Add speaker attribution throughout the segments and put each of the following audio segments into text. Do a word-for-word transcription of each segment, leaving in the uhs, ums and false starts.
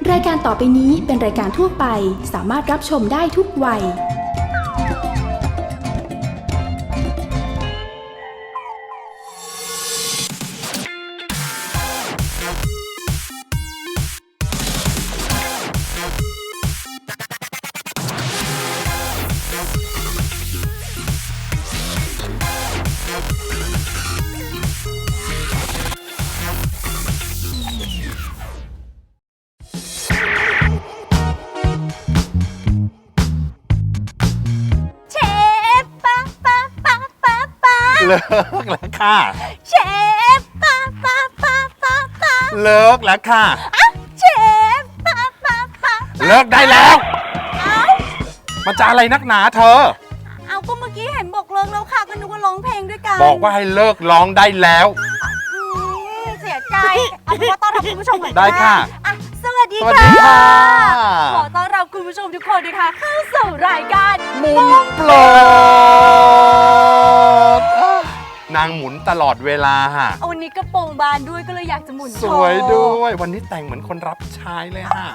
Speaker 1: รายการต่อไปนี้เป็นรายการทั่วไปสามารถรับชมได้ทุกวัย
Speaker 2: เลิกแล้วค่ะ
Speaker 3: เชฟป้าป้าป้าป้าป้า
Speaker 2: เลิกแล้วค่ะ
Speaker 3: เชฟป้าป้าป้า
Speaker 2: เลิกได้แล้ว
Speaker 3: เอ้า
Speaker 2: มันจะอะไรนักหนาเธอ
Speaker 3: เอาก็เมื่อกี้เห็นบอกเลิกแล้วค่ะก็นึกว่าร้องเพลงด้วยกัน
Speaker 2: บอกว่าให้เลิกร้องได้แล้ว
Speaker 3: เสียใจเอาเป็นว่าต้อนรับคุณผู้ชมก่อน
Speaker 2: ได้ค่ะ
Speaker 3: สวัสดีค่ะขอต้อนรับคุณผู้ชมทุกคนนะคะเข้าสู่รายการ
Speaker 2: มุมโปรดนางหมุนตลอดเวลาฮะ
Speaker 3: วันนี้กระโปรงบานด้วยก็เลยอยากจะหมุน
Speaker 2: สวยด้วยวันนี้แต่งเหมือนคนรับใช้เลยฮะ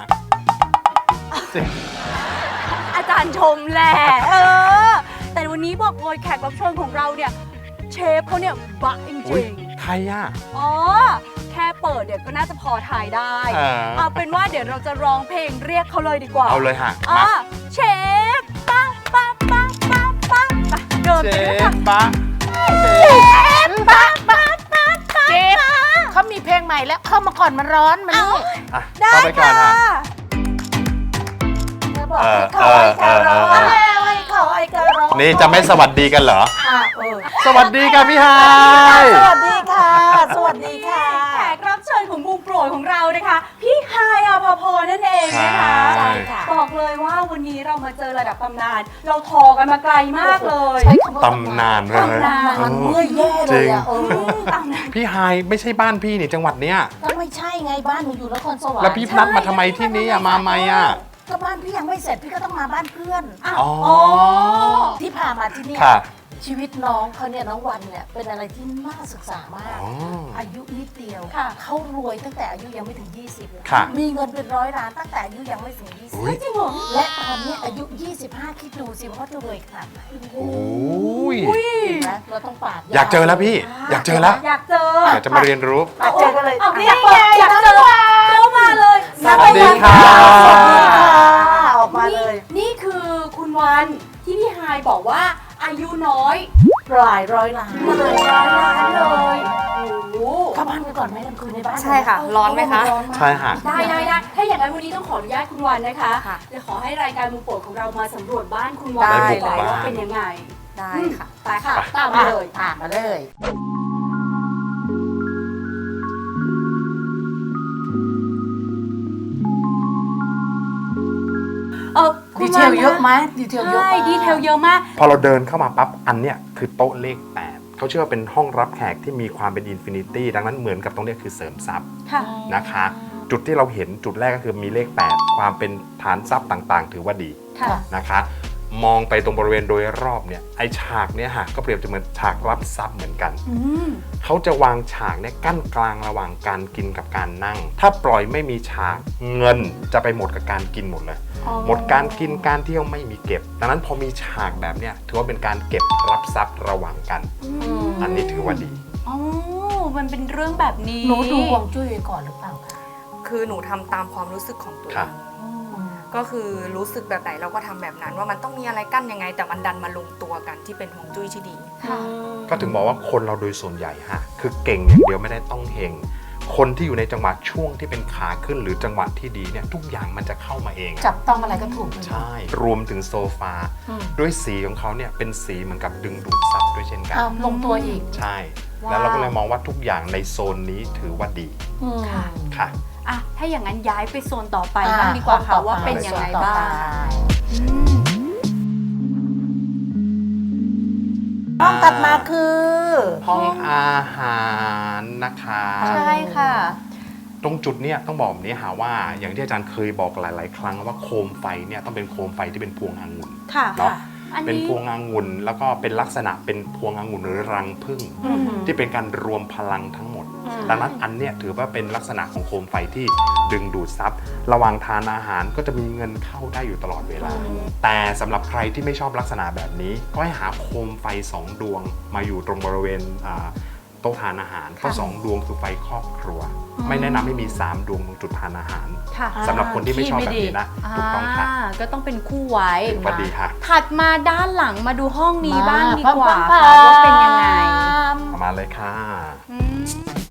Speaker 3: อาจารย์ชมแหละเออแต่วันนี้บอกเลยแขกรับเชิญของเราเนี่ยเชฟเขาเนี่ยบะจริง
Speaker 2: ๆใครอ่ะ
Speaker 3: อ๋อแค่เปิดเดี๋ยวก็น่าจะพอถ่ายได้เอาเป็นว่าเดี๋ยวเราจะร้องเพลงเรียกเขาเลยดีกว่า
Speaker 2: เอาเลยฮะ
Speaker 3: มาเชฟป้าป้าป้าป้าป้าเดินไปเลยค่ะ
Speaker 2: ป้า
Speaker 3: เชฟป้าป้าป้าป้า
Speaker 4: เชฟเขามีเพลงใหม่แล้วเข้ามาก่อนมันร้อนมันนี่
Speaker 3: ได้ค่ะ
Speaker 2: เออเออเออเออนี่จะไม่สวัสดีกันเหรอสวัสดีค่ะพี่ไฮ
Speaker 4: สวัสดีค่ะสวัสดีค่ะ
Speaker 3: แขกรับเชิญของมุมโปรดของเรานะคะพี่ไฮอภพรนั่นเองนะคะ
Speaker 4: ใช่ค่ะ
Speaker 3: บอกเลยว่าวันนี้เรามาเจอระดับตำนานเราทอกันมาไกลมากเลย
Speaker 2: ตำนานเลย
Speaker 4: ตำนานเมื่อแย่เลยอ่ะ
Speaker 2: พี่ไฮไม่ใช่บ้านพี่นี่จังหวัดเนี้ย
Speaker 4: ก็ไม่ใช่ไงบ้านหนูอยู่นครสวรรค์
Speaker 2: แล้วพี่นัดมาทำไมที่นี่อะมาไหมอะ
Speaker 4: ก็บ้านพี่ยังไม่เสร็จพี่ก็ต้องมาบ้านเพื่อน
Speaker 2: อ๋อ
Speaker 4: ที่พามาที่นี่ชีวิตน้องเขาเนี่ยน้องวันเนี่ยเป็นอะไรที่น่าศึกษามากอายุนิดเดียวเขารวยตั้งแต่อายุยังไม่ถึงยี่สิบมีเงินเป็นร้อยล้านตั้งแต่อายุยังไม่ถึงยี่สิบ
Speaker 3: จริงเหรอ
Speaker 4: และตอนนี้อายุยี่สิบห้าคิดดูสิว่าเขาจะรวยขนาดไหน
Speaker 2: โอ้ย
Speaker 4: เราต้องปาด
Speaker 2: อยากเจอแล้วพี่อยากเจอแล้ว
Speaker 3: อยากเจอ
Speaker 2: อยากจะมาเรียนรู้
Speaker 4: อยากเจอกันเลย
Speaker 3: อยากเปิดอยากเจอเข้ามาเลย
Speaker 2: สวัสดีค่ะ
Speaker 4: ออกมาเลย
Speaker 3: นี่คือคุณวันที่พี่ไฮบอกว่าอายุน้อย
Speaker 4: หลายร้อยล้าน
Speaker 3: หลายร้อยล้านเลยโอ้
Speaker 4: เข้าบ้านไปก่อนไหมกลางคืนในบ้าน
Speaker 3: ใช่ค่ะร้อนไหมคะ
Speaker 2: ใช่ค่ะ
Speaker 3: ได้ได้ได้ถ้าอย่างนั้นวันนี้ต้องขออนุญาตคุณวันนะคะจะขอให้รายการมุมโปรดของเรามาสำรวจบ้านคุณวัน
Speaker 2: ได้
Speaker 3: ว่าเป็นยังไง
Speaker 4: ได้ค่ะ
Speaker 3: ไปค่ะตามมาเลย
Speaker 4: ตามมาเลย
Speaker 3: เออ
Speaker 4: ดีเทลเยอะไหมดีเทลเยอะ
Speaker 3: ใช่ดีเทลเยอะมาก
Speaker 2: พอเราเดินเข้ามาปั๊บอันเนี้ยคือโต๊ะเลขแปดเขาเชื่อว่าเป็นห้องรับแขกที่มีความเป็นอินฟินิตี้ดังนั้นเหมือนกับตรงนี้คือเสริมทรัพย์นะคะจุดที่เราเห็นจุดแรกก็คือมีเลขแปดความเป็นฐานทรัพย์ต่างๆถือว่าดีนะคะมองไปตรงบริเวณโดยรอบเนี่ยไอฉากเนี่ยฮะก็เปรียบเหมือนฉากรับทรัพย์เหมือนกันเขาจะวางฉากเนี่ยกั้นกลางระหว่างการกินกับการนั่งถ้าปล่อยไม่มีฉากเงินจะไปหมดกับการกินหมดเลยหมดการกินการเที่ยวไม่มีเก็บดังนั้นพอมีฉากแบบเนี้ยถือว่าเป็นการเก็บรับทรัพย์ระหว่างกันอันนี้ถือว่าดี
Speaker 3: อ๋อมันเป็นเรื่องแบบนี้
Speaker 4: หนูดูฮวงจุ้ยก่อนหรือเปล่าคะ
Speaker 5: คือหนูทำตามความรู้สึกของตัวเองก็คือรู้สึกแบบไหนเราก็ทำแบบนั้นว่ามันต้องมีอะไรกั้นยังไงแต่มันดันมาลงตัวกันที่เป็นฮวงจุ้ยที่ดี
Speaker 2: ก็ถึงบอกว่าคนเราโดยส่วนใหญ่ฮะคือเก่งอย่างเดียวไม่ได้ต้องเฮงคนที่อยู่ในจังหวะช่วงที่เป็นขาขึ้นหรือจังหวะที่ดีเนี่ยทุกอย่างมันจะเข้ามาเอง
Speaker 4: จับต้องอะไรก็ถูก
Speaker 2: ใช่รวมถึงโซฟาด้วยสีของเขาเนี่ยเป็นสีเหมือนกับดึงดูดซับด้วยเช่นกัน
Speaker 4: ลงตัวอีก
Speaker 2: ใช่แล้วเราก็เลยมองว่าทุกอย่างในโซนนี้ถือว่าดี
Speaker 3: ค่ะ
Speaker 2: ค่ะ
Speaker 3: อ่ะถ้าอย่างนั้นย้ายไปโซนต่อไปบ้างดีกว่าค่ะว่าเป็นยังไงบ้าง
Speaker 4: ห้องถัดมาคือ
Speaker 2: ห้องอาหารนะคะ
Speaker 3: ใช่ค่ะ
Speaker 2: ตรงจุดเนี้ยต้องบอกแบบนี้หาว่าอย่างที่อาจารย์เคยบอกหลายๆครั้งว่าโคมไฟเนี่ยต้องเป็นโคมไฟที่เป็นพวงองุ่นเนาะ
Speaker 3: อันนี้
Speaker 2: เป็นพวงองุ่นแล้วก็เป็นลักษณะเป็นพวงองุ่นหรือรังผึ้งที่เป็นการรวมพลังทั้งหมด ดังนั้นอันเนี้ยถือว่าเป็นลักษณะของโคมไฟที่ดึงดูดซับระหว่างทานอาหารก็จะมีเงินเข้าได้อยู่ตลอดเวลา แต่สำหรับใครที่ไม่ชอบลักษณะแบบนี้ก็ให้หาโคมไฟสองดวงมาอยู่ตรงบริเวณอ่าโต๊ะทานอาหารเพราะสองดวงคือไฟครอบครัว ไม่แนะนำให้มีสามดวงตรงจุดทานอาหาร
Speaker 3: ค่ะ
Speaker 2: สำหรับคนที่ไม่ชอบแบบนี้นะถูกต้องค่ะ
Speaker 3: าก็ต้องเป็นคู่ไว้
Speaker 2: สวัสดีค่ะ
Speaker 3: ถัดมาด้านหลังมาดูห้องนี้บ้างดีกว่า
Speaker 4: ปั๊
Speaker 3: ค่ะ
Speaker 4: มๆๆ
Speaker 3: ว่าเป็นยังไง
Speaker 2: ประมาณเลยค่ะ
Speaker 3: อืม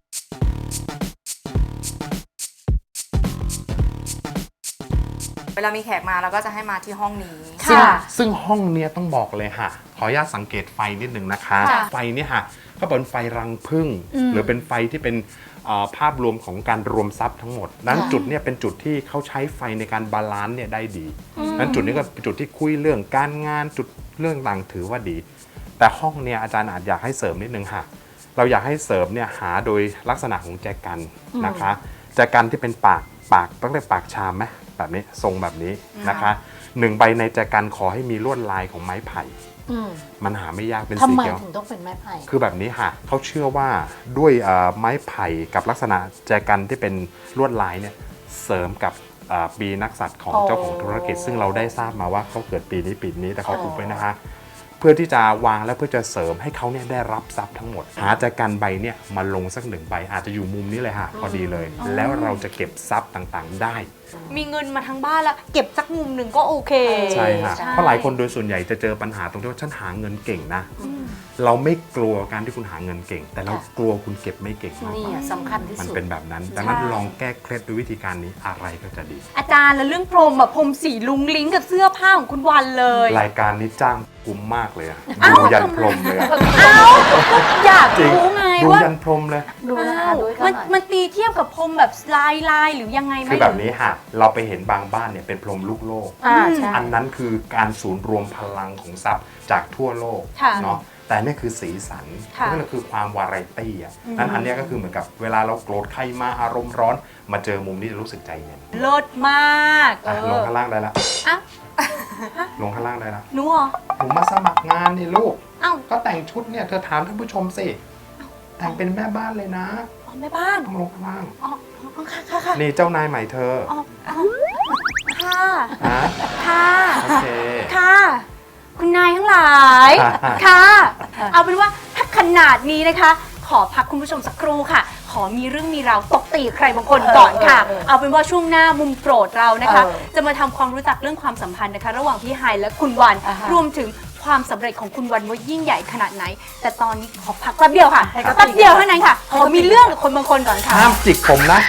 Speaker 5: เวลามีแขกมาเราก็จะให้มาที่ห้องนี้
Speaker 2: ซึ่ง
Speaker 3: ค่ะ
Speaker 2: ซึ่งห้องเนี้ยต้องบอกเลยค่ะ ขออนุญาตสังเกตไฟนิดหนึ่งนะคะ
Speaker 3: ค่ะ
Speaker 2: ไฟเนี่ยค่ะก็เป็นไฟรังผึ้ง
Speaker 3: อืม
Speaker 2: หรือเป็นไฟที่เป็นเอ่อภาพรวมของการรวมทรัพย์ทั้งหมดนั้นจุดเนี่ยเป็นจุดที่เขาใช้ไฟในการบาลานซ์เนี่ยได้ดีนั้นจุดนี้ก็เป็นจุดที่คุยเรื่องการงานจุดเรื่องต่างถือว่าดี แต่ห้องเนี่ยอาจารย์อาจอยากให้เสริมนิดนึงค่ะ เราอยากให้เสริมเนี่ยหาโดยลักษณะของแจกันนะคะแจกันที่เป็นปากปากต้องเรียกปากชามไหมแบบนี้ทรงแบบนี้นะคะหนึ่งใบในแจกันขอให้มีลวดลายของไม้ไผ่
Speaker 4: อืม
Speaker 2: มันหาไม่ยากเป็น
Speaker 4: ทำ
Speaker 2: สี
Speaker 4: ไม
Speaker 2: เขียว
Speaker 4: ถึงต้องเป็นไม้ไผ่
Speaker 2: คือแบบนี้ค่ะเขาเชื่อว่าด้วยเอ่อไม้ไผ่กับลักษณะแจกันที่เป็นลวดลายเนี่ยเสริมกับเอ่อปีนักสัตว์ของ
Speaker 4: อ๋อ
Speaker 2: เจ้าของธุรกิจ ซึ่งเราได้ทราบมาว่าเขาเกิดปีนี้ปีนี้แต่เขาอุบไว้นะคะ เพื่อที่จะวางและเพื่อจะเสริมให้เขาเนี่ยได้รับทรัพย์ทั้งหมด หาแจกันใบเนี่ยมาลงสักหนึ่งใบอาจจะอยู่มุมนี้เลยค่ะพอดีเลย แล้วเราจะเก็บทรัพย์ต่างๆได้
Speaker 3: มีเงินมาทั้งบ้านแล้ว เก็บสักมุมหนึ่งก็โอเค
Speaker 2: ใช่ค่ะ
Speaker 3: ใช่
Speaker 2: เพราะหลายคนโดยส่วนใหญ่จะเจอปัญหาตรงที่ว่าฉันหาเงินเก่งนะ เราไม่กลัวการที่คุณหาเงินเก่ง แต่เรากลัวคุณเก็บไม่เก่งมาก
Speaker 4: นี่
Speaker 2: กว่า
Speaker 4: อะสำคัญที่
Speaker 2: มัน
Speaker 4: สุด
Speaker 2: เป็นแบบนั้น ดังนั้นลองแก้เคล็ดด้วยวิธีการนี้อะไรก็จะดี
Speaker 3: อาจารย์แล้วเรื่องพรมแบบพรมสีลุงลิงกับเสื้อผ้าของคุณวันเลย
Speaker 2: รายการนี้จ้างคุ้มมากเลยอะ
Speaker 3: อ้าว
Speaker 2: ดูยันพรมเลยอะ
Speaker 3: เอ้าอยาก
Speaker 2: จริง
Speaker 3: รู้ไง
Speaker 2: ดู
Speaker 3: ว่า
Speaker 2: ยันพรมเลย
Speaker 4: ดูนะคะ
Speaker 3: อ้าว
Speaker 4: ดูให้เขา
Speaker 3: มัน
Speaker 4: หน่อย
Speaker 3: มันตีเทียบกับพรมแบบลายลายหรือยังไงไหม
Speaker 2: คือแบบนี้ค่ะ เราไปเห็นบางบ้านเนี่ยเป็นพรมลูกโลก
Speaker 4: อ่าใช่
Speaker 2: อันนั้นคือการศูนย์รวมพลังของทรัพย์จากทั่วโลก
Speaker 3: ค่ะ
Speaker 2: เนาะแต่เนี่ยคือสีสัน
Speaker 3: ค่ะ
Speaker 2: นั่นก็คือความวาไรตี้อ่ะนั้นอันเนี้ยก็คือเหมือนกับเวลาเราโกรธใครมาอารมณ์ร้อน มาเจอมุมนี้จะรู้สึกใจเย็น
Speaker 3: เลิศมากเอ
Speaker 2: อ่ะลง
Speaker 3: อ
Speaker 2: ข้างล่างได้ละ
Speaker 3: อ่ะ
Speaker 2: ลงข้างล่างได้ละ
Speaker 3: หนูเหรอ
Speaker 2: ผมมาสมัครงานนี่ลูก
Speaker 3: เอ้า
Speaker 2: ก็แต่งชุดเนี่ยเธอถามท่านผู้ชมสิแต่งเป็นแม่บ้านเลยนะ
Speaker 3: อ๋อแม่บ้าน
Speaker 2: ต้องลงข้างล่าง
Speaker 3: อ๋ออ๋อค่ะค่ะค่ะ
Speaker 2: นี่เจ้านายใหม่เธอ
Speaker 3: อ๋ออ๋อค่ะ
Speaker 2: ฮะ
Speaker 3: ค่ะ
Speaker 2: โอเค
Speaker 3: ค่ะ คุณนายทั้งหลาย
Speaker 2: ค่ะ
Speaker 3: ค่ะ เอาเป็นว่าถ้าขนาดนี้นะคะ ขอพักคุณผู้ชมสักครู่ค่ะ ขอมีเรื่องมีราวตบตีใครบางคนก่อนค่ะ
Speaker 4: เออเออเออ
Speaker 3: เอาเป็นว่าช่วงหน้ามุมโปรดเรานะคะ
Speaker 4: เออ
Speaker 3: จะมาทำความรู้จักเรื่องความสัมพันธ์นะคะ ระหว่างพี่ไฮและคุณวัน
Speaker 4: อ่าฮะ
Speaker 3: รวมถึงความสำเร็จของคุณวันว่ายิ่งใหญ่ขนาดไหน แต่ตอนนี้ขอพักแป๊บเดียวค่ะ
Speaker 4: ให้เขา
Speaker 3: แป๊บเดียวเท่านั้นค่ะ
Speaker 4: ให้
Speaker 3: ขอ
Speaker 4: เขา
Speaker 3: มีเรื่องกับคนบางคนก่อนค่ะ
Speaker 2: ห้ามจิกผมนะ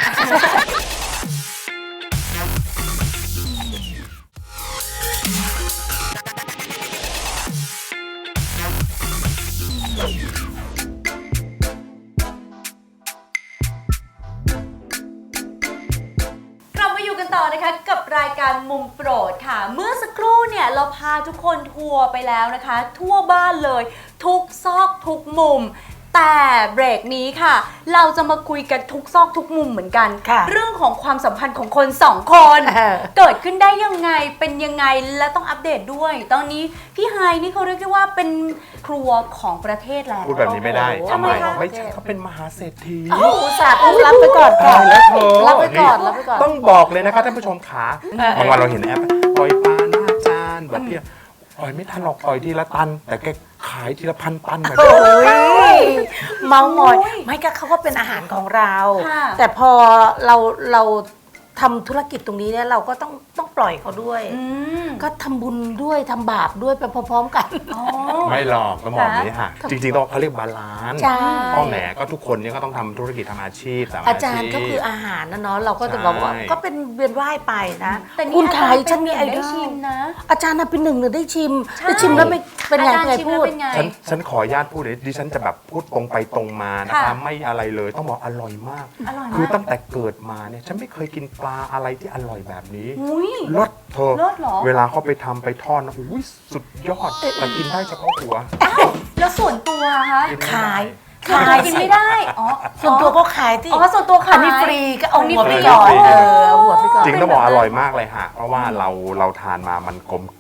Speaker 3: กลับมาอยู่กันต่อนะคะกับรายการมุมโปรดค่ะ เมื่อสักครู่เนี่ยเราพาทุกคนทัวร์ไปแล้วนะคะ ทั่วบ้านเลย ทุกซอกทุกมุม แต่เบรกนี้ค่ะ เราจะมาคุยกันทุกซอกทุกมุมเหมือนกัน
Speaker 4: ค่ะ
Speaker 3: เรื่องของความสัมพันธ์ของคนสองคน
Speaker 4: เออ
Speaker 3: เกิดขึ้นได้ยังไงเป็นยังไงและต้องอัปเดตด้วย ตอนนี้พี่ไฮนี่เขาเรียกได้ว่าเป็นครัวของประเทศแล้ว
Speaker 2: พูดแบบนี้ไม่ได้
Speaker 4: โอ้โห
Speaker 2: ทำไม
Speaker 3: ทำไมคะ
Speaker 2: ไม่ใช่เขาเป็นมหาเศรษฐี
Speaker 4: อุตส่าห์ต้องรับไปก่อนค่ะ
Speaker 2: ตายแล้วเธอ
Speaker 4: รับไปก่อนรับไปก่อน
Speaker 2: ต้องบอกเลยนะคะท่านผู้ชมขาบางวันเราเห็นแอปปล่อยปลาหน้าจานแบบเนี้ยปล่อยไม่ทันหรอกปล่อยทีละตัน แต่แกขายทีละพันตันแบบนี้
Speaker 4: โอ้ยเมามอยไม่ก็เขาก็เป็นอาหารของเรา
Speaker 3: ค่ะ
Speaker 4: แต่พอเราเราทำธุรกิจตรงนี้เนี่ยเราก็ต้องต้องปล่อยเขาด้วย
Speaker 3: อืม
Speaker 4: ก็ทำบุญด้วยทำบาปด้วยไปพร้อมๆกัน
Speaker 3: อ๋อ
Speaker 2: ไม่หรอกต้องบอกอย่างนี้ค่ะ จริงๆต้องเขาเรียกบาลานซ์
Speaker 4: ใช่
Speaker 2: พ่อแหมก็ทุกคนเนี่ยก็ต้องทำธุรกิจทำอาชีพตาม
Speaker 4: อา
Speaker 2: อา
Speaker 4: จาร
Speaker 2: ชี
Speaker 4: ย์
Speaker 2: พ
Speaker 4: ก็คืออาหารนะเนาะเราก็จะบอกว่า
Speaker 2: ใช่
Speaker 4: ก็เป็นเวียนว่ายไปนะ
Speaker 3: แต่นี่
Speaker 4: คุณขาย
Speaker 3: อาจารย์
Speaker 4: ฉันมีไอ
Speaker 3: เป็นหนึ่ง
Speaker 4: ดอ
Speaker 3: ได้ชิ
Speaker 4: ล
Speaker 3: มนะ
Speaker 4: อาจารย์น่ะเป็นหนึ่งหนึ่งได้ชิม
Speaker 3: ใช่
Speaker 4: ได้ชิมแล้วไม่เป็นไง
Speaker 3: อาจารย์
Speaker 4: เป็นไง
Speaker 3: ชิม
Speaker 4: พู
Speaker 3: แล้ว
Speaker 4: ด
Speaker 3: เป็นไง
Speaker 2: ฉันฉันขออนุญาตพูดเลยดิฉันจะแบบพูดตรงไปตรงมานะคะ
Speaker 3: ค่ะ
Speaker 2: ไม่อะไรเลยต้องบอกอร่อยมาก
Speaker 3: อร่อย
Speaker 2: คือ
Speaker 3: มาก
Speaker 2: ตั้งแต่เกิดมาเนี่ยฉันไม่เคยกินปลาอะไรที่อร่อยแบบนี้
Speaker 3: อุ้ย
Speaker 2: เลิศเธอ
Speaker 3: เลิศเหรอ
Speaker 2: เวลาเขาไปทำไปทอดนะอุ้ยสุดยอดแต่กินได้เฉพาะหัว
Speaker 3: แล้วส่วนตัวคะ
Speaker 2: กินไม่
Speaker 4: ขาย
Speaker 2: ได้
Speaker 3: ขายกินไม่ได้ อ๋อ
Speaker 4: ส่วนตัวก็ขายที่
Speaker 3: อ๋อส่วนตัวขาย
Speaker 4: อันนี้ฟรีก็เอา
Speaker 3: อันนี้
Speaker 4: หัวไป
Speaker 3: ฟรี
Speaker 4: ก่อน
Speaker 2: ฟรี
Speaker 4: เออเอาหัวไปก่อน
Speaker 2: จริงต้องบอกอร่อยมากเลยฮะเพราะว่าเราเราทานมามันกลมกล่อม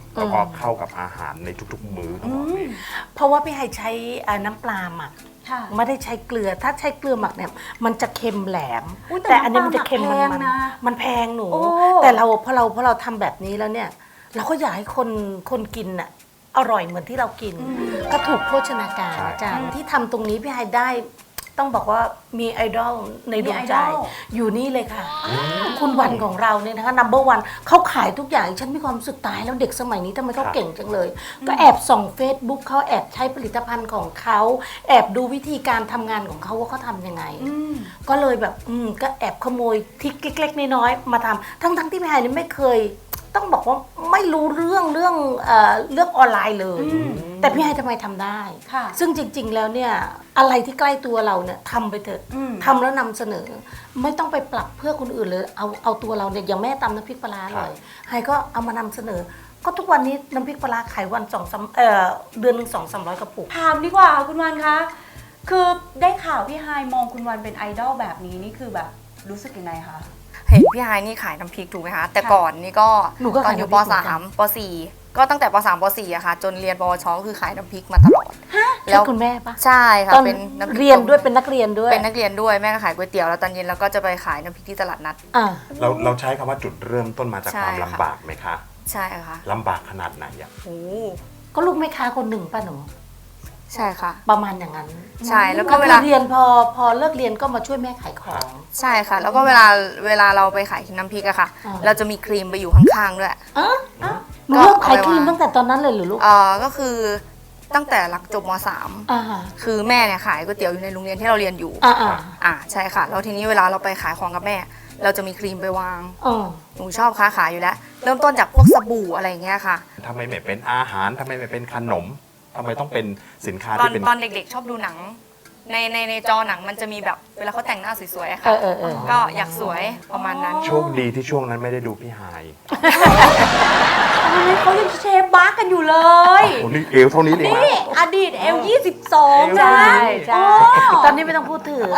Speaker 2: แล้วก็เข้ากับอาหารในทุกๆมื้อของเราเอง
Speaker 4: เพราะว่าพี่ไฮใช้อ่าน้ำปลาหมัก
Speaker 3: ค่ะ
Speaker 4: ไม่ได้ใช้เกลือถ้าใช้เกลือหมักเนี่ยมันจะเค็มแหลม
Speaker 3: อุ๊ยแต่
Speaker 4: แต่อันนี้มันจะเค็ม
Speaker 3: น้ำป
Speaker 4: มั
Speaker 3: ลาน หมัก
Speaker 4: มัน
Speaker 3: แพงนะ
Speaker 4: มันแพงหนู
Speaker 3: โอ้
Speaker 4: แต่เราพอเราพอเราทำแบบนี้แล้วเนี่ย เราก็อยากให้คนคนกินน่ะอร่อยเหมือนที่เรากิน ก็ถูกโภชนาการ
Speaker 2: ใช่
Speaker 4: อาจารย์ที่ทำตรงนี้พี่ไฮได้ ต้องบอกว่ามีไอดอลในดวงใจ
Speaker 3: มีไอดอล
Speaker 4: อยู่นี่เลยค่ะ คุณวันของเราเนี่ยนะคะ นัมเบอร์วันเขาขายทุกอย่างฉันมีความรู้สึกตายแล้วเด็กสมัยนี้ทำไมเขาเก่งจังเลย ก็แอบส่อง Facebook เขาแอบใช้ผลิตภัณฑ์ของเขาแอบดูวิธีการทำงานของเขาว่าเขาทำยังไง ก็เลยแบบอืมก็แอบขโมยทริกเล็กๆน้อยๆมาทำทั้งๆที่พี่ไฮนี่ไม่เคย ต้องบอกว่าไม่รู้เรื่องเรื่องเอ่อเรื่องออนไลน์เลย แต่พี่ไฮทำไมทำได้
Speaker 3: ค่ะ
Speaker 4: ซึ่งจริงๆแล้วเนี่ยอะไรที่ใกล้ตัวเราเนี่ยทำไปเถอะ
Speaker 3: อืม
Speaker 4: ทำแล้วนำเสนอ ไม่ต้องไปปรับเพื่อคนอื่นเลยเอาเอาตัวเราเนี่ยอย่างแม่ตำน้ำพริกปลาร้าเลยไฮก็เอามานำเสนอ ก็ทุกวันนี้น้ำพริกปลาร้าขายวันสองสามเอ่อเดือนหนึ่งสองสามร้อยกระปุก
Speaker 3: ถามดีกว่าคุณวันคะ คือได้ข่าวพี่ไฮมองคุณวันเป็นไอดอลแบบนี้นี่คือแบบรู้สึกยังไงคะ
Speaker 5: เห็นพี่ไฮนี่ขายน้ำพริกถูกไหมคะ แต่ก่อนนี่ก็
Speaker 4: หนูก็
Speaker 5: ตอ
Speaker 4: ขาน ย
Speaker 5: อยู่
Speaker 4: น้ำพ
Speaker 5: ป
Speaker 4: ริกเหมือนกัน
Speaker 5: สามปสี่ก็ตั้งแต่ปสามปสี่อะค่ะ จนเรียนปวชก็คือขายน้ำพริกมาตลอด
Speaker 4: ใช่คุณแม่ปะ
Speaker 5: ใช่ค่ะ
Speaker 4: ตอน
Speaker 5: เป็นน้ำพริก
Speaker 4: เรียนด้วยเป็นนักเรียนด้วย
Speaker 5: เป็นนักเรียนด้วยแม่ก็ขายก๋วยเตี๋ยวแล้วตอนเย็นเราก็จะไปขายน้ำพริกที่ตลาดนัด
Speaker 4: อ่า
Speaker 2: เราเราใช้คำว่าจุดเริ่มต้นมาจาก
Speaker 5: ใช่
Speaker 2: ความ
Speaker 5: ค่ะ
Speaker 2: ลำบากไหมคะ
Speaker 5: ใช่ค่ะ
Speaker 2: ลำบากขนาดไหนอะ
Speaker 5: โอ้
Speaker 4: ก็ลูกแม่ค้าคนหนึ่งป่ะหนู
Speaker 5: ใช่ค่ะ
Speaker 4: ประมาณอย่างนั้น
Speaker 5: ใช่แล้วก็เวลา
Speaker 4: คือเรียนพอพอเลิกเรียนก็มาช่วยแม่ขายของ
Speaker 5: ใช่ค่ะ แล้วก็เวลาเวลาเราไปขายน้ำพริกอะค่ะ
Speaker 4: อ่า
Speaker 5: เราจะมีครีมไปอยู่ข้างๆด้วย
Speaker 4: อ่ะหนูเริ่มขายครีมตั้งแต่ตอนนั้นเลยเหรือลูก
Speaker 5: เอ่อก็คือตั้งแต่หลังจบมสาม
Speaker 4: อ่า
Speaker 5: คือแม่เนี่ยขายก๋วยเตี๋ยวอยู่ในโรงเรียนที่เราเรียนอยู่
Speaker 4: อ่าอ่า
Speaker 5: อ่าใช่ค่ะ แล้วทีนี้เวลาเราไปขายของกับแม่ เราจะมีครีมไปวาง
Speaker 4: อ๋อ
Speaker 5: หนูชอบค้าขายอยู่แล้ว เริ่มต้นจากพวกสบู่อะไรอย่างเงี้ยค่ะ
Speaker 2: ทำไมไม่เป็นอาหารทำไมไม่เป็นขนมทำไมต้องเป็นสินค้า
Speaker 5: ตอน
Speaker 2: ที่เป็น
Speaker 5: ตอนเด็กๆ ชอบดูหนัง ในในในจอหนังมันจะมีแบบเวลาเขาแต่งหน้าสวยๆอะ
Speaker 4: เอ
Speaker 5: ค่ะ
Speaker 4: อเออเออ
Speaker 5: ก็อยากสวยประมาณนั้น
Speaker 2: โชคดีที่ช่วงนั้นไม่ได้ดูพี่ไฮ
Speaker 3: ตอนนั้นเขายังเชฟบาร์กันอยู่เลย
Speaker 2: โอ้นี่เอวเท่านี้เลยนะ
Speaker 3: นี่อดีตเอลยี่สิบสอง
Speaker 2: เอว
Speaker 3: นะ
Speaker 4: ใช่ใช่
Speaker 3: โอ้
Speaker 4: ตอนนี้ไม่ต้องพูดถึง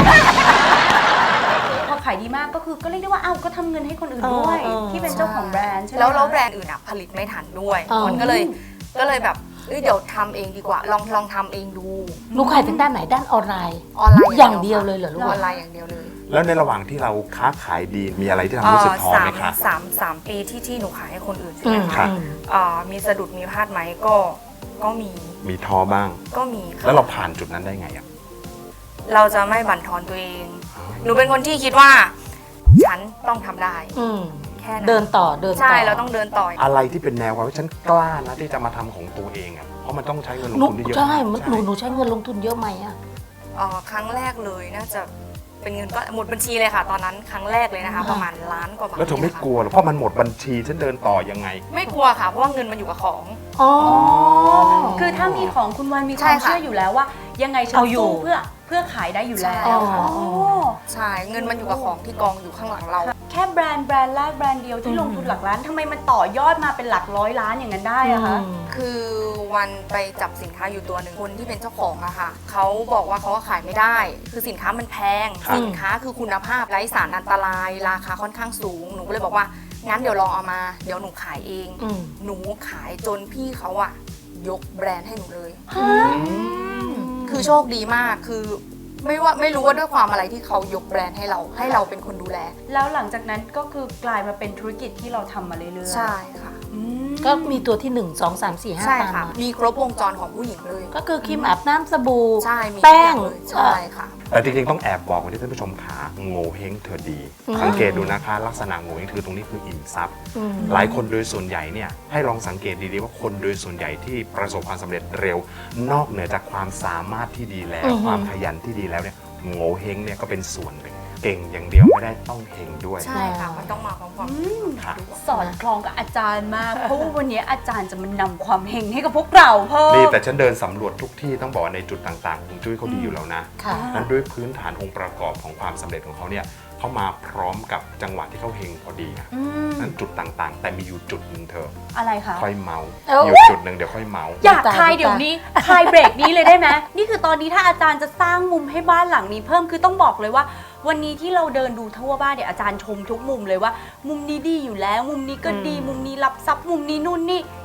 Speaker 3: พอขายดีมากก็คือก็เรียกได้ว่าเอ้าก็ทำเงินให้คนอื่นด้วย
Speaker 4: เออเออ
Speaker 3: ที่เป็นเจ้าของแบรนด์ใช่ไหม
Speaker 5: แล้วแล้ว
Speaker 3: คะ
Speaker 5: แบรนด์อื่นอะผลิตไม่ทันด้วย
Speaker 4: อ๋อ
Speaker 5: มันก็เลยก็เลยแบบเอ้ยเดี๋ยวทำเองดีกว่า ลองลองทำเองดู
Speaker 4: หนูขายทางด้านไหนด้านออนไลน์
Speaker 5: ออนไลน์
Speaker 4: อย่างเดียวเลยเหรอลูก
Speaker 5: ออนไลน์อย่างเดียวเลย
Speaker 2: แล้วในระหว่างที่เราค้าขายดีมีอะไรที่ทำให้รู้สึกท้อ
Speaker 5: สา
Speaker 2: ไหม
Speaker 5: ม
Speaker 2: คะ
Speaker 5: สามสามปีที่ที่หนูขายให้คนอื่นใช่
Speaker 4: อื
Speaker 5: ไหม
Speaker 4: ม
Speaker 5: คะ
Speaker 4: อืม
Speaker 5: เอ่อมีสะดุดมีพลาดไหมก็ก็มี
Speaker 2: มีท้อบ้าง
Speaker 5: ก็มีค่ะ
Speaker 2: แล้วเราผ่านจุดนั้นได้ไงอะ
Speaker 5: เราจะไม่บั่นทอนตัวเอง หนูเป็นคนที่คิดว่า ฉันต้องทำได้
Speaker 4: อืม
Speaker 5: แค่นั้น
Speaker 4: เดินต่อเดินต่อ
Speaker 5: ใช่เราต้องเดินต่อ
Speaker 2: อะไรที่เป็นแนวความว่าฉันกล้านะที่จะมาทำของตัวเองอะเพราะมันต้องใช้เงินลง
Speaker 4: หนู
Speaker 2: ทุนที่เยอะ
Speaker 4: ใช่มัน
Speaker 2: ใช่
Speaker 4: หนูหนูใช้เงินลงทุนเยอะไหมอ่ะ
Speaker 5: เอ่อครั้งแรกเลยน่าจะเป็นเงินก็หมดบัญชีเลยค่ะ ตอนนั้นครั้งแรกเลยนะคะ ประมาณล้านกว่าบาท
Speaker 2: แล้วเธอไม่
Speaker 5: ค่ะ
Speaker 2: กลัวหรอเพราะมันหมดบัญชีฉันเดินต่อยังไง
Speaker 5: ไม่กลัวค่ะ เพราะว่าเงินมันอยู่กับของ
Speaker 4: อ๋อ
Speaker 3: คือถ้ามีของคุณวันมีค
Speaker 5: ใช่
Speaker 3: วาม
Speaker 5: ค่ะ
Speaker 3: เชื่ออยู่แล้วว่า ยังไงฉัน
Speaker 4: เอาอยู่
Speaker 3: สู้เพื่อเพื่อขายได้อยู่แล้ว
Speaker 5: ใช่
Speaker 3: อ๋
Speaker 5: ค่ะ
Speaker 3: อ
Speaker 5: ใช่เงินมันอยู่กับของที่กองอยู่ข้างหลังเรา
Speaker 3: แค่แบรนด์แบรนด์แรกแบรนด์เดียวที่ลงทุนหลักล้านทำไมมันต่อยอดมาเป็นหลักร้อยล้านอย่างนั้นได้อะคะ
Speaker 5: คือวันไปจับสินค้าอยู่ตัวหนึ่งคนที่เป็นเจ้าของอะค่ะเขาบอกว่าเขาขายไม่ได้ คือสินค้ามันแพง
Speaker 2: ครับ
Speaker 5: สินค้าคือคุณภาพไร้สารอันตราย ราคาค่อนข้างสูงหนูก็เลยบอกว่างั้นเดี๋ยวลองเอามาเดี๋ยวหนูขายเอง
Speaker 4: อืม
Speaker 5: หนูขายจนพี่เขาอะยกแบรนด์ให้หนูเลย คือโชคดีมากคือไม่ว่าไม่รู้ว่าด้วยความอะไรที่เขายกแบรนด์ให้เรา ให้เราเป็นคนดูแล
Speaker 3: แล้วหลังจากนั้นก็คือกลายมาเป็นธุรกิจที่เราทำมาเรื่อยๆ
Speaker 5: ใช่ค่ะ
Speaker 3: อืม
Speaker 4: ก็มีตัวที่หนึ่งสองสามสี่ห้า
Speaker 5: ใช่
Speaker 4: ตาม
Speaker 5: ค่ะ
Speaker 4: มา
Speaker 5: มีครบวงจรของผู้หญิงเลย
Speaker 4: ก็คือครีมอาบน้ำสบู่
Speaker 5: ใช่มี
Speaker 4: แป้ง
Speaker 5: ทุกอย่างเลยใช่ค่ะ
Speaker 2: แต่จริงๆต้องแอบบอกไว้ที่ท่านผู้ชมขาโง่เฮงเธอดี
Speaker 4: อืม
Speaker 2: สังเกตดูนะคะ ลักษณะโง่เฮงคือตรงนี้คืออิ่มทรัพย์
Speaker 4: อืม
Speaker 2: หลายคนโดยส่วนใหญ่เนี่ยให้ลองสังเกตดีๆว่าคนโดยส่วนใหญ่ที่ประสบความสำเร็จเร็ว นอกเหนือจากความสามารถที่ดีแล้ว
Speaker 4: อือฮึ
Speaker 2: ความขยันที่ดีแล้วเนี่ยโง่เฮงเนี่ยก็เป็นส่วนหนึ่งเก่งอย่างเดียวไม่ได้ต้องเฮงด้วย
Speaker 5: ใช่ค่ะ มันต้องมาพร้อมๆ
Speaker 2: ค่ะ
Speaker 3: สอดคล้องกับอาจารย์มาก เพราะว่าวันนี้อาจารย์จะมานำความเฮงให้กับพวกเราเพิ่
Speaker 2: นี่
Speaker 3: ม
Speaker 2: แต่ฉันเดินสำรวจทุกที่ต้องบอกว่าในจุดต่างๆของจุ้ยเขาดีอยู่แล้วนะ
Speaker 4: ค่ะ
Speaker 2: นั้นด้วยพื้นฐานองค์ประกอบของความสำเร็จของเขาเนี่ยเขามาพร้อมกับจังหวะที่เขาเฮงพอดีอะ
Speaker 3: อืม
Speaker 2: นั้นจุดต่างๆ แต่มีอยู่จุดหนึ่งเธอ
Speaker 3: อะไรคะ
Speaker 2: ค่อยเมา
Speaker 4: เอ้า
Speaker 2: อยู่จุดหนึ่งเดี๋ยวค่อยเมา
Speaker 3: อยากคลายเดี๋ยวนี้คลายเบรกนี้เลยได้ไหมนี่คือตอนนี้ถ้าอาจารย์จะสร้างมุมให้บ้านหลังนี้เพิ่มคือต้องบอกเลยว่า วันนี้ที่เราเดินดูทั่วบ้านเดี๋ยวอาจารย์ชมทุกมุมเลยว่า มุมนี้ดีอยู่แล้ว มุมนี้ก็ดี มุมนี้รับซับมุมนี้นู่นนี่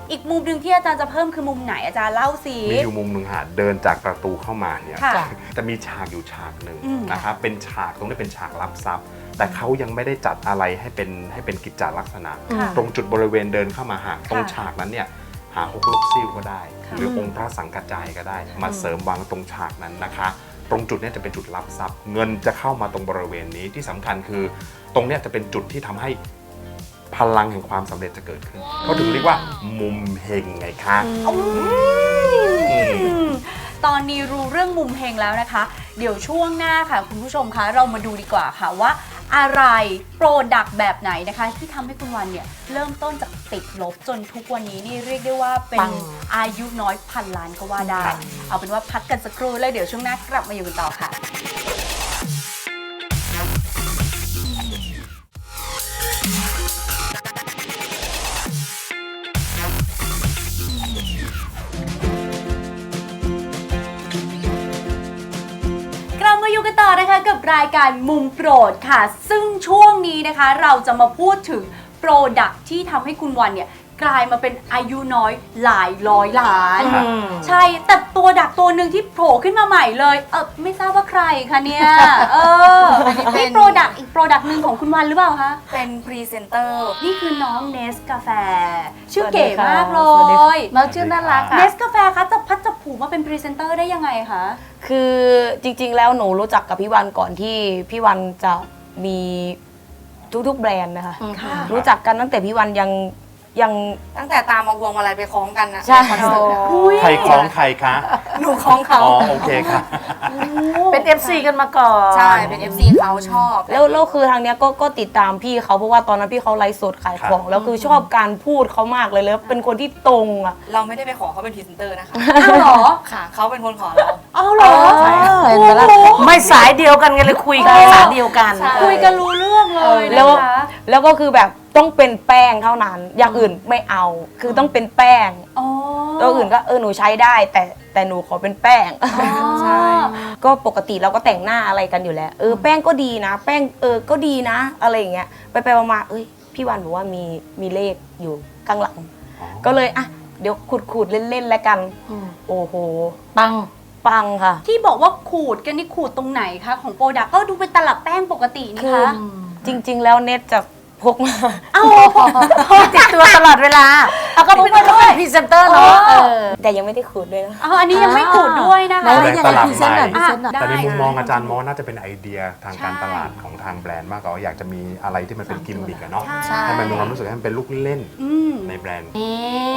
Speaker 3: อีกมุมหนึ่งที่อาจารย์จะเพิ่มคือมุมไหนอาจารย์เล่าสิ
Speaker 2: มีอยู่มุมหนึ่งค่ะเดินจากประตูเข้ามาเนี่ย
Speaker 3: ค่ะ
Speaker 2: จะมีฉากอยู่ฉากหนึ่ง
Speaker 3: อืม
Speaker 2: นะครับเป็นฉากตรงนี้เป็นฉากรับทรัพย์ แต่เขายังไม่ได้จัดอะไรให้เป็นให้เป็นกิจจาลักษณะ
Speaker 3: ค่ะ
Speaker 2: ตรงจุดบริเวณเดินเข้ามาหาตรงฉากนั้นเนี่ยหาฮกลกซิ่วก็ได้
Speaker 3: ค่ะ
Speaker 2: หรือองค์พระสังกัจจายก็ได้ มาเสริมวางตรงฉากนั้นนะคะ ตรงจุดเนี้จะเป็นจุดรับทรัพย์ เงินจะเข้ามาตรงบริเวณนี้ที่สำคัญคือ ตรงเนี้ยจะเป็นจุดที่ทำให้พลังแห่งความสำเร็จจะเกิดขึ้นเขาถึงเรียกว่ามุมเฮงไงคะ
Speaker 3: ตอนนี้รู้เรื่องมุมเฮงแล้วนะคะ เดี๋ยวช่วงหน้าค่ะคุณผู้ชมคะเรามาดูดีกว่าค่ะว่าอะไรโปรดักต์แบบไหนนะคะ ที่ทำให้คุณวันเนี่ยเริ่มต้นจากติดลบจนทุกวันนี้นี่เรียกได้ว่าเป็น
Speaker 4: ปัง
Speaker 3: อายุน้อยพันล้านก็ว่าได้ เอาเป็นว่าพักกันสักครู่แล้วเดี๋ยวช่วงหน้ากลับมาอยู่กันต่อค่ะ กลับมาอยู่กันต่อนะคะกับรายการมุมโปรดค่ะ ซึ่งช่วงนี้นะคะเราจะมาพูดถึงโปรดักที่ทำให้คุณวันเนี่ยกลายมาเป็นอายุน้อยหลายร้อยล้าน
Speaker 2: ครับ
Speaker 3: ใช่แต่ตัวดักตัวหนึ่งที่โผล่ขึ้นมาใหม่เลยเออไม่ทราบว่าใครคะเนี่ยเอออันนี้เป็นโปรดักอีกโปรดักหนึ่งของคุณวันหรือเปล่าคะ
Speaker 5: เป็นพรีเซนเตอร์
Speaker 3: นี่คือน้องเนสกาแฟชื่อเก๋มากเล
Speaker 4: สวัสดีค่ะ
Speaker 3: ย
Speaker 4: น้องชื่อน่ารัก
Speaker 3: เน
Speaker 4: อ่ะ
Speaker 3: สกาแฟคะจะพัดจะผูมาเป็นพรีเซนเตอร์ได้ยังไงคะ
Speaker 6: คือจริงๆ แล้วหนูรู้จักกับพี่วันก่อนที่พี่วันจะมีทุกๆแบรนด์นะคะ
Speaker 3: ค่ะ
Speaker 6: รู้จักกันตั้งแต่พี่วันยังยัง
Speaker 5: ตั้งแต่ตามมาพวงมาลัยไปคล้องกันนะ
Speaker 6: ใช่
Speaker 5: คอนเสิร์ตอะ
Speaker 2: ใครคล้องใครคะ
Speaker 5: หนูคล้องเขา
Speaker 2: อ๋อโอเคค่ะ
Speaker 4: เป็น เอฟ ซี กันมาก่อน
Speaker 5: ใช่ เป็น เอฟ ซี เขาชอบ
Speaker 6: แล้วแล้วคือทางเนี้ยก็ก็ติดตามพี่เขาเพราะว่าตอนนั้นพี่เขาไลฟ์สดขายของ แล้วคือชอบการพูดเขามากเลยแล้วเป็นคนที่ตรงอ่ะ
Speaker 5: เราไม่ได้ไปขอเขาเป็นพรีเซนเตอร์นะคะ
Speaker 3: อ้าวเหรอ
Speaker 5: ค่ะ เขาเป็นคนขอเรา
Speaker 3: เอาเหรอ
Speaker 4: เห็นไหมล่ะไม่สายเดียวกันกันเลยคุยกันสายเดียวกัน
Speaker 5: ใช่
Speaker 3: คุยกันรู้เรื่องเลย
Speaker 6: แล้ว
Speaker 3: นะคะ
Speaker 6: แล้วก็คือแบบต้องเป็นแป้งเท่านั้น อย่างอื่นไม่เอา คือต้องเป็นแป้ง
Speaker 3: อ๋อ
Speaker 6: ตัวอื่นก็เออหนูใช้ได้ แต่แต่หนูขอเป็นแป้ง
Speaker 5: ใช่
Speaker 6: ก็ปกติเราก็แต่งหน้าอะไรกันอยู่แล้ว เออแป้งก็ดีนะ แป้งเออก็ดีนะ อะไรอย่างเงี้ยไปไปมาๆเอ้ยพี่วันบอกว่ามีมีเลขอยู่ข้างหลัง
Speaker 2: อ๋อ
Speaker 6: ก็เลยอ่ะเดี๋ยวขูดขูดๆเล่นๆแล้วกัน
Speaker 4: อืม
Speaker 6: โอ้โห
Speaker 4: ปัง
Speaker 6: ปังค่ะ
Speaker 3: ที่บอกว่าขูดกันนี่ขูดตรงไหนคะของโปรดักต์ก็ดูเป็นตลับแป้งปกตินี่
Speaker 6: คือ
Speaker 3: คะ
Speaker 6: จริง ๆ แล้วเน็ตจะพกมา
Speaker 3: เอ้า
Speaker 4: ติดตัวตลอดเวลาเอาก็เป็นก็เป็นพรีเซนเตอร์เนาะ
Speaker 3: อ๋อ
Speaker 4: เออ
Speaker 6: แต่ยังไม่ได้ขูดด้วยนะ
Speaker 3: อ๋ออันนี้ยังไม่ขูดด้วยนะคะ
Speaker 4: ไหนๆยังไงพรีเซนต์หน่อยพรี
Speaker 3: อ่ะ
Speaker 4: เซนต์หน่อย
Speaker 2: แต่ในมุมมอง
Speaker 3: ได้
Speaker 2: อาจารย์มองน่าจะเป็นไอเดียทางการ
Speaker 3: ใช่
Speaker 2: ตลาดของทางแบรนด์มากกว่าอยากจะมีอะไรที่มันเป็นกิมมิคอะเนาะ
Speaker 3: ใช่
Speaker 2: ให้มันมีความรู้สึกให้มันเป็นลูกเล่น
Speaker 3: อืม
Speaker 2: ในแบรนด์
Speaker 4: นี่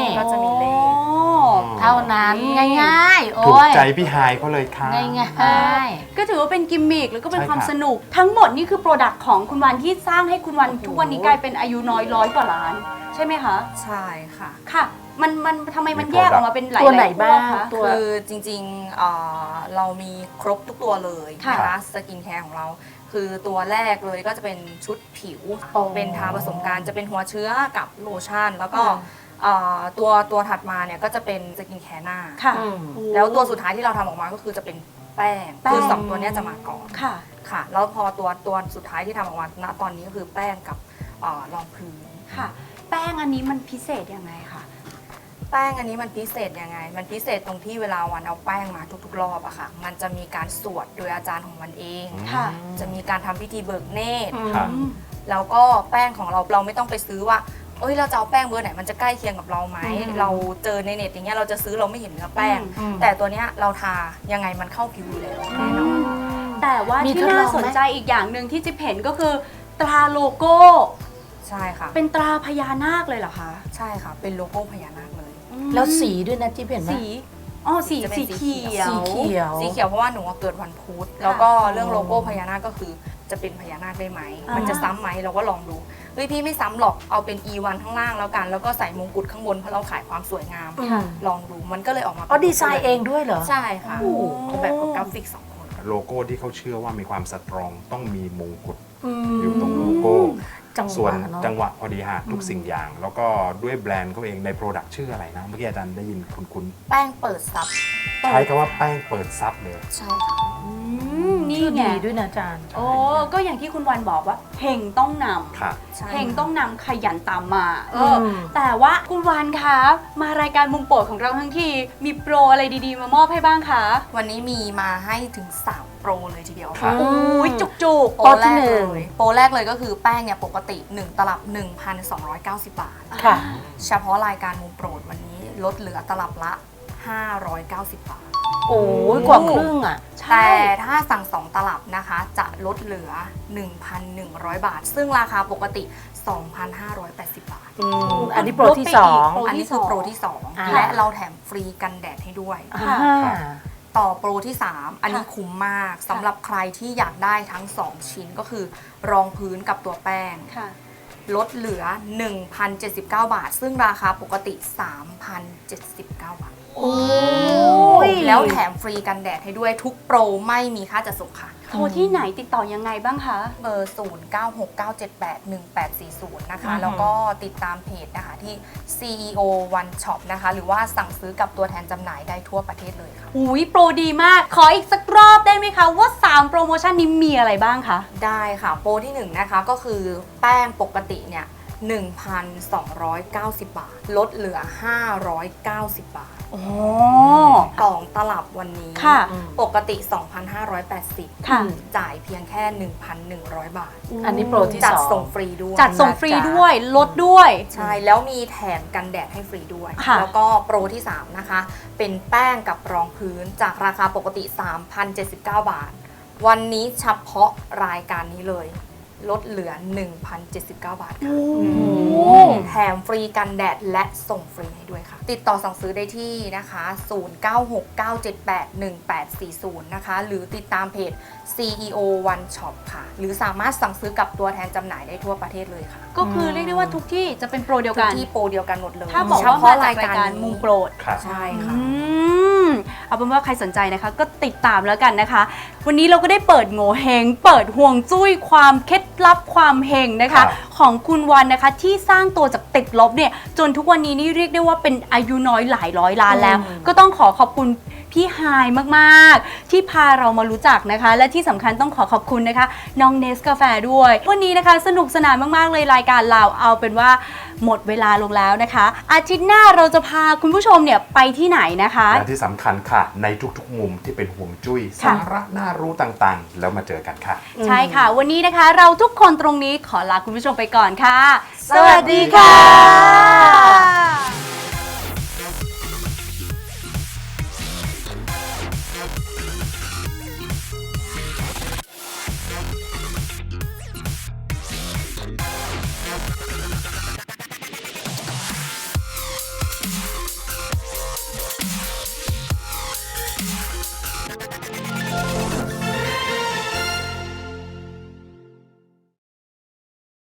Speaker 5: ก็จะมีเลข
Speaker 3: อ๋อ
Speaker 4: เท่านั้นง่ายๆ โอ้
Speaker 2: ถูก
Speaker 4: ย
Speaker 2: ใจพี่ไฮายเขาเลยค่ะ
Speaker 4: ง่าย
Speaker 3: ก็ถือว่าเป็นกิมมิคแล้วก็เป็น
Speaker 2: ใช่
Speaker 3: ความ
Speaker 2: ครับ
Speaker 3: สนุก ทั้งหมดนี่คือโปรดักต์ของคุณวันที่สร้างให้คุณวันทุกวันนี้กลายเป็นอายุน้อยร้อยกว่าล้าน ใช่ไหมคะ
Speaker 5: ใช่ค่ะ
Speaker 3: ค่ะ มันมันทำไมมัน
Speaker 2: มี
Speaker 3: แยกออก
Speaker 2: product
Speaker 3: มาเป็นหลาย
Speaker 4: ตัวไหน
Speaker 3: ๆ
Speaker 4: บ้าง
Speaker 3: คะ
Speaker 4: ตัว
Speaker 5: คือจริงๆเอ่อเรามีครบทุกตัวเลย
Speaker 3: ค่ะ
Speaker 5: นะคะสกินแคร์ของเรา คือตัวแรกเลยก็จะเป็นชุดผิว
Speaker 4: อ๋อ
Speaker 5: เป็นทาผสมกันจะเป็นหัวเชื้อกับโลชั่น แล้วก็
Speaker 3: ค่ะ
Speaker 5: เอ่อตัวตัวถัดมาเนี่ยก็จะเป็นสกินแคร์หน้า
Speaker 3: ค่ะ
Speaker 4: อืม
Speaker 5: แล้วตัวสุดท้ายที่เราทำออกมาก็คือจะเป็นแป้ง
Speaker 3: แป้ง
Speaker 5: คือสองตัวเนี้ยจะมาก่อน
Speaker 3: ค่ะ
Speaker 5: ค่ะ แล้วพอตัวตัวสุดท้ายที่ทำออกมาณตอนนี้ก็คือแป้งกับเอ่อรองพื้น
Speaker 3: ค่ะ แป้งอันนี้มันพิเศษยังไงคะ
Speaker 5: แป้งอันนี้มันพิเศษยังไง มันพิเศษตรงที่เวลาวันเอาแป้งมาทุกๆ รอบอะค่ะ มันจะมีการสวดโดยอาจารย์ของมันเอง
Speaker 3: ค่ะ
Speaker 5: จะมีการทำพิธีเบิกเนตร
Speaker 2: ครับ
Speaker 3: อืม
Speaker 5: แล้วก็แป้งของเราเราไม่ต้องไปซื้อว่า เอ้ยเราจะเอาแป้งเบอร์ไหนมันจะใกล้เคียงกับเราไหม
Speaker 4: อืม
Speaker 5: เราเจอในเน็ตอย่างเงี้ยเราจะซื้อเราไม่เห็นเนื้อแป้ง
Speaker 4: อืม
Speaker 5: แต่ตัวเนี้ยเราทายังไงมันเข้าผิวอยู่แล้วแน่นอน
Speaker 3: แต่ว่า
Speaker 4: มี
Speaker 3: ที่
Speaker 4: ทดลองไหม
Speaker 3: น่าสนใจอีกอย่างหนึ่งที่จิ๊บเห็นก็คือ ตราโลโก้
Speaker 5: ใช่ค่ะ
Speaker 3: เป็นตราพญานาคเลยเหรอคะ
Speaker 5: ใช่ค่ะ เป็นโลโก้พญานาคเลย
Speaker 3: อืม
Speaker 4: แล้วสีด้วยนะที่เห็นไหม
Speaker 3: สีอ๋อสี
Speaker 5: จะเป็น
Speaker 3: สี
Speaker 5: สี
Speaker 3: เขียว
Speaker 4: สีเขียว
Speaker 5: สีเขียวเพราะว่าหนูอะเกิดวันพุธแล้วก็เรื่องโลโก้พญานาคก็คือจะเป็นพญานาคได้ไหม
Speaker 3: อ่ามั
Speaker 5: มันจะซ้ำไหมเราก็ลองดูเฮ้ยพี่ไม่ซ้ำหรอกเอาเป็น อี วัน ข้างล่างแล้วกัน แล้วก็ใส่มงกุฎข้างบนเพราะเราขายความสวยงาม
Speaker 4: ค่ะ
Speaker 5: ลองดูมันก็เลยออกมา
Speaker 4: อ๋อดีไซน์เองด้วยเหรอ
Speaker 5: ใช่ค่ะ
Speaker 3: โอ้โห
Speaker 5: ออกแบบกับกราฟิกสองคน
Speaker 2: โลโก้ที่เขาเชื่อว่ามีความสตรองต้องมีมงกุฎ
Speaker 4: อืม
Speaker 2: อยู่ตรงโลโก้
Speaker 4: จังหวะ
Speaker 2: ส่วน
Speaker 4: เนอะ
Speaker 2: จังหวะพอดีฮะทุกสิ่งอย่าง แล้วก็ด้วยแบรนด์เขาเองในโปรดักต์ชื่ออะไรนะ เมื่อกี้อาจารย์ได้ยินคุณคุณ
Speaker 5: แป้งเปิดซับ
Speaker 2: ใช้คำว่าแป้งเปิดซับเลย
Speaker 5: ใช่ค่ะ
Speaker 3: อืมนี่
Speaker 4: ชื่อ
Speaker 3: ไง
Speaker 4: ดีด้วยนะอาจารย์
Speaker 3: โอ้ก็อย่างที่คุณวันบอกว่าเฮงต้องนำ
Speaker 2: ค่ะ
Speaker 5: ใช่
Speaker 3: เพลงต้องนำขยันตามมาเอออแต่ว่าคุณวานคะมารายการมุมโปรดของเราทั้งทีมีโปรอะไรดีๆ มามอบให้บ้างคะ
Speaker 5: วันนี้มีมาให้ถึงสามโปรเลยทีเดียว
Speaker 2: ครั
Speaker 5: ค่ะ
Speaker 2: บ
Speaker 3: โอ้ยจุก
Speaker 5: โปรแรกเลยโปรแรกเลยก็คือแป้งเนี่ยปกติหนึ่งตลับ หนึ่งพันสองร้อยเก้าสิบ บาท
Speaker 3: ๆ
Speaker 4: ค่ะ
Speaker 5: เฉพาะรายการมุมโปรดวันนี้ลดเหลือตลับละ ห้าร้อยเก้าสิบ บาท
Speaker 4: โอ้ยกว่าครึ่งอ่ะ
Speaker 5: แต่ถ้าสั่งสองตลับนะคะ จะลดเหลือ หนึ่งพันหนึ่งร้อย บาท ซึ่งราคาปกติ สองพันห้าร้อยแปดสิบ บาท
Speaker 4: อืมอันนี้โปรที่สอง
Speaker 3: โปร
Speaker 5: อัน
Speaker 3: ที่
Speaker 5: นี้คือ
Speaker 3: สอง
Speaker 5: โปรที่สอง
Speaker 4: อ่า
Speaker 5: และเราแถมฟรีกันแดดให้ด้วย
Speaker 3: ค่ะ
Speaker 4: อ่า
Speaker 5: ต่อโปรที่ สาม อันนี้คุ้มมากสำหรับใครที่อยากได้ทั้ง สอง ชิ้นก็คือรองพื้นกับตัวแป้ง
Speaker 3: ค่ะ
Speaker 5: ลดเหลือ หนึ่งพันเจ็ดสิบเก้า บาท ซึ่งราคาปกติ สามพันเจ็ดสิบเก้า บาท
Speaker 3: โอ้ย
Speaker 5: แล้วแถมฟรีกันแดดให้ด้วยทุกโปรไม่มีค่าจัดส่งค่ะ
Speaker 3: โทรที่ไหนติดต่อยังไงบ้างคะ
Speaker 5: เบอร์ ศูนย์ เก้า หก เก้า เจ็ด แปด หนึ่ง แปด สี่ ศูนย์ นะคะ
Speaker 4: อือฮึ
Speaker 5: แล้วก็ติดตามเพจนะคะที่ ซี อี โอ One Shop นะคะ หรือว่าสั่งซื้อกับตัวแทนจำหน่ายได้ทั่วประเทศเลยค่ะ
Speaker 3: อุ้ยโปรดีมาก ขออีกสักรอบได้ไหมคะ ว่า สาม โปรโมชั่นนี้มีอะไรบ้างคะ
Speaker 5: ได้ค่ะ โปรที่หนึ่งนะคะก็คือแป้งปกติเนี่ย หนึ่งพันสองร้อยเก้าสิบ บาท ลดเหลือ ห้าร้อยเก้าสิบ บาท
Speaker 3: โอ้
Speaker 5: กล่องตลับวันนี้
Speaker 3: ค่ะ
Speaker 5: ปกติ สองพันห้าร้อยแปดสิบ
Speaker 3: ค่ะ
Speaker 5: จ่ายเพียงแค่ หนึ่งพันหนึ่งร้อย บาท
Speaker 4: อันนี้โปรที่
Speaker 5: จัด
Speaker 4: สอง
Speaker 5: ส่งฟรีด้วย
Speaker 3: จัดส่งฟรีด้วย ลดด้วย
Speaker 5: ใช่ แล้วมีแถมกันแดดให้ฟรีด้วย
Speaker 3: ค่ะ
Speaker 5: แล้วก็โปรที่ สาม นะคะ เป็นแป้งกับรองพื้นจากราคาปกติ สามพันเจ็ดสิบเก้า บาท วันนี้เฉพาะรายการนี้เลย ลดเหลือ หนึ่งพันเจ็ดสิบเก้า บาทค่ะแถมฟรีกันแดดและส่งฟรีให้ด้วยค่ะ ติดต่อสั่งซื้อได้ที่นะคะ ศูนย์ เก้า หก เก้า เจ็ด แปด หนึ่ง แปด สี่ ศูนย์ นะคะ หรือติดตามเพจ ซี อี โอ One Shop ค่ะ หรือสามารถสั่งซื้อกับตัวแทนจำหน่ายได้ทั่วประเทศเลยค่ะ
Speaker 3: ก็คือเรียกได้ว่าทุกที่จะเป็นโปรเดียว
Speaker 5: ทุก
Speaker 3: กัน
Speaker 5: ที่โปรเดียวกันหมดเลย
Speaker 3: ถ้าบอก
Speaker 5: เฉ
Speaker 3: ว่า
Speaker 5: พาะ
Speaker 3: มาจาก
Speaker 5: ราย
Speaker 3: ราย
Speaker 5: การ
Speaker 3: การ
Speaker 5: นี้
Speaker 3: มุมโปรด
Speaker 2: ครับ
Speaker 5: ใช่ค่ะ
Speaker 3: อืมเอาเป็นว่าใครสนใจนะคะ ก็ติดตามแล้วกันนะคะ วันนี้เราก็ได้เปิดโง่เฮงเปิดห่วงจุ้ยความเคล็ดลับความเฮงนะ
Speaker 2: ครั
Speaker 3: คะ
Speaker 2: บ
Speaker 3: ของคุณวันนะคะที่สร้างตัวจากติดลบเนี่ยจนทุกวันนี้นี่เรียกได้ว่าเป็นอายุน้อยหลายร้อยล้านแล้ว ก็ต้องขอขอบคุณพี่ไฮายมากๆ ที่พาเรามารู้จักนะคะ และที่สำคัญต้องขอขอบคุณนะคะน้องเนสกาแฟด้วย วันนี้นะคะสนุกสนานมากๆเลยรายการเราเอาเป็นว่าหมดเวลาลงแล้วนะคะ อาทิตย์หน้าเราจะพาคุณผู้ชมเนี่ยไปที่ไหนนะคะ
Speaker 2: และที่สำคัญค่ะ ในทุกๆมุมที่เป็นห่วงจุ้ย
Speaker 3: ค่ะ
Speaker 2: สาระน่ารู้ต่างๆ แล้วมาเจอกันค่ะ
Speaker 3: ใช่ค่ะ วันนี้นะคะเราทุกคนตรงนี้ขอลาคุณผู้ชมไปก่อนค่ะ
Speaker 2: สวัสดีค่ะ